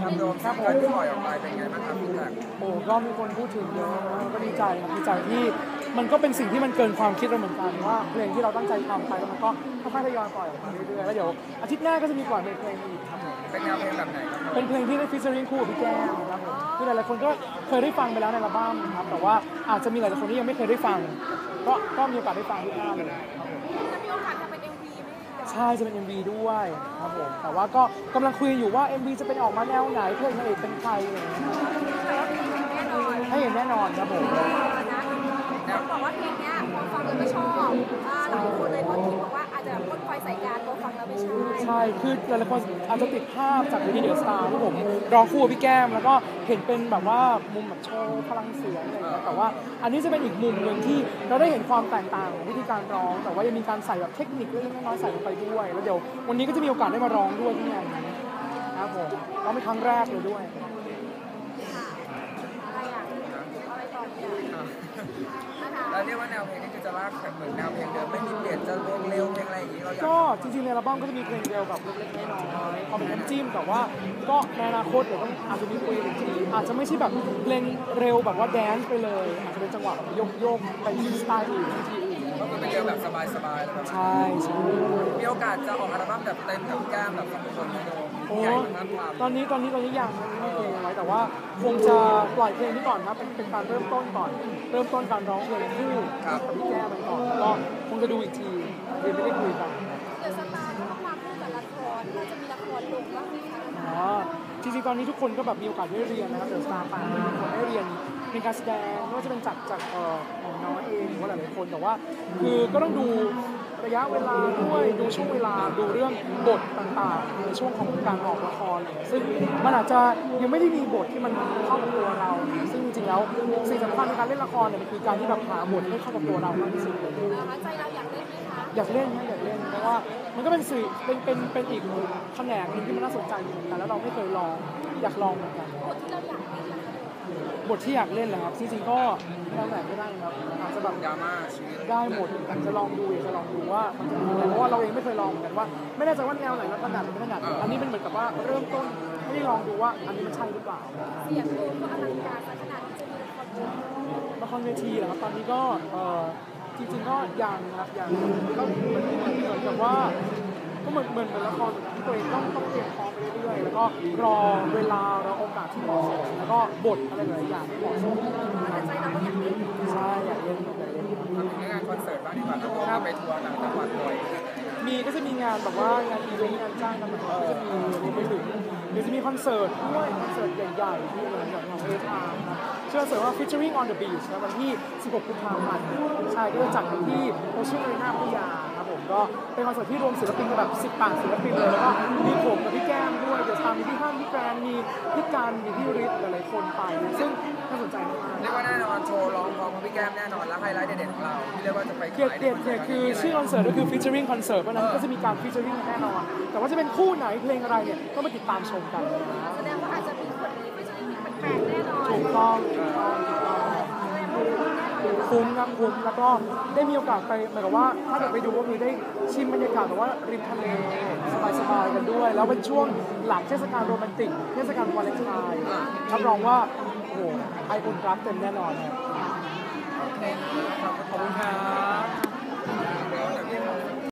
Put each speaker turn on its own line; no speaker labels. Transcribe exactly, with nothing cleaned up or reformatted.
ครับโดมครับผมที่ปล่อยออกไปเป็นไงบ้างครับพี่แท็ก
โอ้ก็มีคนพูดถึงเยอะนะก็ดีใจครับดีใจที่มันก็เป็นสิ่งที่มันเกินความคิดเราเหมือนกันว่าเพลงที่เราตั้งใจทำไปแล้วมันก็ค่อยๆทยอยปล่อยออกมาเรื่อยๆแล้วเดี๋ยวอาทิตย์หน้าก็จะมีปล่อยเพลงอีกครับผม
เป็นแนวเพลงแบบไหนครับ
เป็นเพลงที่ได้ฟีเจอริ่งคู่กับพี่แก้มครับผมคือหลายๆคนก็เคยได้ฟังไปแล้วในอัลบั้มครับแต่ว่าอาจจะมีหลายๆคนที่ยังไม่เคยได้ฟังก็ก็มีโอกาสได้ฟังที่หน้าเลยครับผม
จะมีโอกาสทำเป็น เอ็ม วี ไหมคะ
ใช่จะเป็น เอ็ม วี ด้วยครับผมแต่ว่าก็กำลังคุยอยู่ว่า เอ็ม วี จะเป็นออกมาแนวไหนเพลงนางเอกเป็นใครอะไรอย่างเงี้ย
แต่ว่าเพลงแน่นอน
ให้เห็นแน่นอนครับผม
นะบอกว่าเพลงนี้พอฟังแล้วไม่ชอบหลายคนเลยพอคิดบอกว่าอาจจะพ่นไฟใส่การพอฟังแล้วไม่ใช่
ใช่คือหลายๆคนอาจจะติดภาพจากวิดีโอสตาร์ที่ผมร้องคู่กับพี่แก้มแล้วก็เห็นเป็นแบบว่ามุมแบบโชว์พลังเสียงอะไรอย่างเงี้ยแต่ว่าอันนี้จะเป็นอีกมุมหนึ่งที่เราได้เห็นความแตกต่างของวิธีการร้องแต่ว่ายังมีการใส่แบบเทคนิคเล็กๆน้อยๆใส่ลงไปด้วยแล้วเดี๋ยววันนี้ก็จะมีโอกาสได้มาร้องด้วยที่งานนี้ครับผมร้องเป็นครั้งแรกเลยด้วย
อะไรอ่ะอะไรต่อเนี่ย
แล้วเรียกว่าแนวเพลงนี้คือจะลากเหมือนแนวเพลงเดิมไม่มีเปลี่ยนจะเพลงเร็วเพลงอะไรอย่างนี้เราอยาก
ก็จริงๆในอัลบั้มก็จะมีเพลงเร็วแบบเล็กๆน้อยๆพอเป็นน้ำจิ้มแต่ว่าก็ในอนาคตเดี๋ยวต้องอาจจะมีคุยอีกทีอาจจะไม่ใช่แบบเพลงเร็วแบบว่าแดนซ์ไปเลยอาจจะเป็นจังหวะแบบโยกๆไปที่สไตล์อื่นที่อื่น
ก็คือเป็นเร็วแบบสบายๆแบบ
ใช่ใช่
มีโอกาสจะออกอัลบั้มแบบเต็มกับแก้มแบบสองคนโดม
โอ้
ใหญ่มาก
ตอนนี้ตอนนี้ตอนนี้ยังไม่มีเพลงไว้แต่ว่าคงจะปล่อยเพลงนี้ก่อนครับเป็นเป็นการเริ่มต้นก่อนเริ่มต้นการร้องเพลงคู่กับพี่แก้มไปก่อนก็คงจะดูอีกทียังไม่ได้คุยกัน
เดี๋ยวสตาร์ต้องมาคู่กับละครน่าจะมีละครลงบ้างไหมคะ
อ๋อจริงๆตอนนี้ทุกคนก็แบบมีโอกาสได้เรียนนะครับเดี๋ยวสตาร์ป่าทุกคนได้เรียนในการแสดงไม่ว่าจะเป็นจากจากเอ่อของน้อยเองหรือว่าหลายๆคนแต่ว่าคือก็ต้องดูระยะเวลาด้วยดูช่วงเวลาดูเรื่องบทต่างๆในช่วงของการออกละครซึ่งมันอาจจะยังไม่ได้มีบทที่มันเข้ากับตัวเราซึ่งจริงๆแล้วสิ่งสำคัญในการเล่นละครเนี่ยมันคือการที่แบบหาบทให้เข้ากับตัวเรามากที่สุดเลย
ใจเราอยากเล่นไหมคะ
อยากเล่นนะอยากเล่นเพราะว่ามันก็เป็นสื่อเป็นเป็นเป็นอีกแขนงนึงที่มันน่าสนใจเหมือนกันแล้วเราไม่เคยลองอยากลองเหมือนกัน
บทที่เราอยากเล่นล่ะ
บทที่อยากเล่นเหรอครับจริงๆก็แล้วแต่ไม่ได้ครับอาจจะแบบ
ดราม่าชีวิต
ได้หมดจะลองดูอยากจะลองดูว่ามันจะเป็นยังไงเพราะว่าเราเองไม่เคยลองเหมือนกันว่าไม่แน่ใจว่าแนวไหนเราถนัดหรือไม่ถนัดอันนี้เป็นเหมือนกับว่าเริ่มต้นให้ได้ลองดูว่าอันนี้มันใช่หรือเปล่า
เสียงโดมก็อลังการขนาดที่จะมีละคร
ละครเวทีเหรอครับตอนนี้ก็เออจริงๆก็ยังครับยังก็เหมือนเหมือนกับว่าก็เหมือนเหมือนเหมือนละครที่ตัวเองต้องต้องเตรียมพร้อมไปเรื่อยๆแล้วก็รอเวลารอโอกาสที่เหมาะสมแล้วก็บทอะไรหลายอย่างที่เหมาะสม
แต่ใจเราก็อยากเล่น
ใช่อยากเล่นอยากเล่น
ทำงานคอนเสิร์ตบ้างดีกว่าครับไปทัวร์ต่างจังหวัดบ่อย
มีก็จะมีงานแบบว่างานอีเวนต์งานจ้างกันแบบก็จะมีรวมไปถึงเดี๋ยวจะมีคอนเสิร์ตด้วยคอนเสิร์ตใหญ่ๆที่อะไรอย่างของเอทาร์นะชื่อคอนเสิร์ตว่า featuring on the beach นะวันที่สิบหกกุมภาพันธ์ใช่ก็จะจัดกันที่โอเชียนอารีนาพัทยาครับผมก็เป็นคอนเสิร์ตที่รวมศิลปินกันแบบสิบแปดศิลปินเลยแล้วก็มีผมกับพี่แก้มด้วยเดี๋ยวทำมีพี่ฮั่นพี่แกรนมีพี่การมีพี่ฤทธิ์หลายๆคนไปซึ่งน่าสนใจมาก
เรียกว่าแน่นอนโชว์ร้องพร้อมกับพี่แก้มแน่นอนแล้วไฮไลท์เด็ดๆของเราที่เรียกว่าจะไป
เกียรติเกียรติเนี่ยคือชื่อคอนเสิร์ตก็คือ featuring concert เพราะนั้นก็จะมีการ featuring แน่นอนแต่ว่าจะเป็นคู่ไหนเพลงอะไรเนี่ยต้องไปติดตามชมกัน
แสดงว่าอาจจะมีคนที่ไม่ใช่แปลกแน่นอน
ถูกต้องถูกต้องถูกต้องคุ้มครับคุ้มแล้วก็ได้มีโอกาสไปเหมือนกับว่าถ้าเกิดไปดูก็มีได้ชิมบรรยากาศแบบว่าริมทะเลสบายๆกันด้วยแล้วเป็นช่วงหลังเทศกาลโรแมนติกเทศกาลวาเลนไทน์รับรองว่าโอ้โหไออุ่นรักเต็มแน่นอนครับขอบคุณครับ